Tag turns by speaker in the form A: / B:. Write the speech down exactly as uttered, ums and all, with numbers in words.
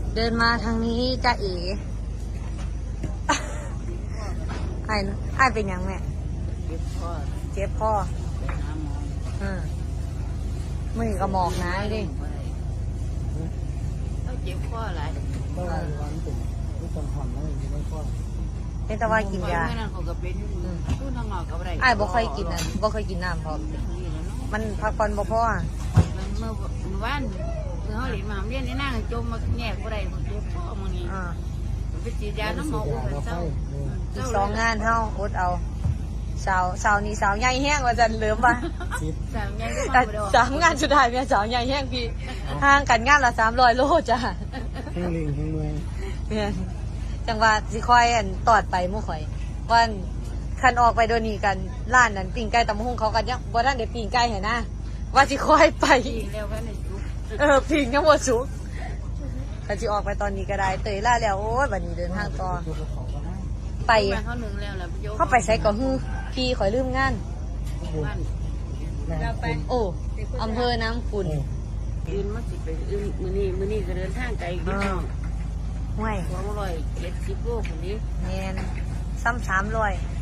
A: เดินมาทางนี้จ้าเอ๋ไอ้ไอ้เป็นยังแม่เจ็บพ่อเจ็บพ่อไปหาหมออืมมือก็หมอกนะดิ
B: เขาเจ็บพ่ออะไร
C: ก็วันเป็นผู้ต้องหอมแล้วอยู่ไม่พ่อ
A: เป็นตะวันกินยา
B: ตู้ทางนอกกับอะไร
A: ไอ้บ่เคยกินอ่ะบ่เคยกินน้ำพร้อมมันพักผ่อนบ่พอ
B: มันเมื่อเมื่อวานเมื่อเขาหลีมาเรียนในนั่งจมมาแง่ก็ได้เจ็บพ่อมึงนี่ไปฉีดยาน้ำหมออุ้มเศร้า
A: อีกสองงานเท่าอดเอาสาวสาวนี่สาวใหญ่แห้งว่าจันเหลือมป่ะ
B: สาวใหญ่ก็มาบ่
A: สามงานสุดท้ายเนี่ยสาวใหญ่แห้งพี่ห่างกันงานละสามร้อยโลจ้ะ
C: แห้งลิงแห้งเมือง
A: เนี่ยจังว่าสิคอยอันตอดไปมู่ข่อยวันคันออกไปโดนนี่กันร้านนั้นปิ่งไก่ตำหุ่งเขากันยังบ่ทันได้ปิ่งไก่เห็นนะว่าสิคอยไปเออปิ่งทั้งหมดสุกคันสิออกไปตอนนี้ก็ได้เตยล่าแล้วโอ้ยบัดนี้เดินทางต่อไปเข้าไปใช้ก็ฮือพี่ข่อยลืมงานโอ้อำเภอน้ำขุ่น
B: อื่นมาสิไปอื่นมื้อนี้มื้อนี้ก็เดินทางไกลพี่น้อง
A: ห่วย
B: สองร้อยเจ็ดสิบโลคนนี้
A: แม่นซ้ำสามร้อย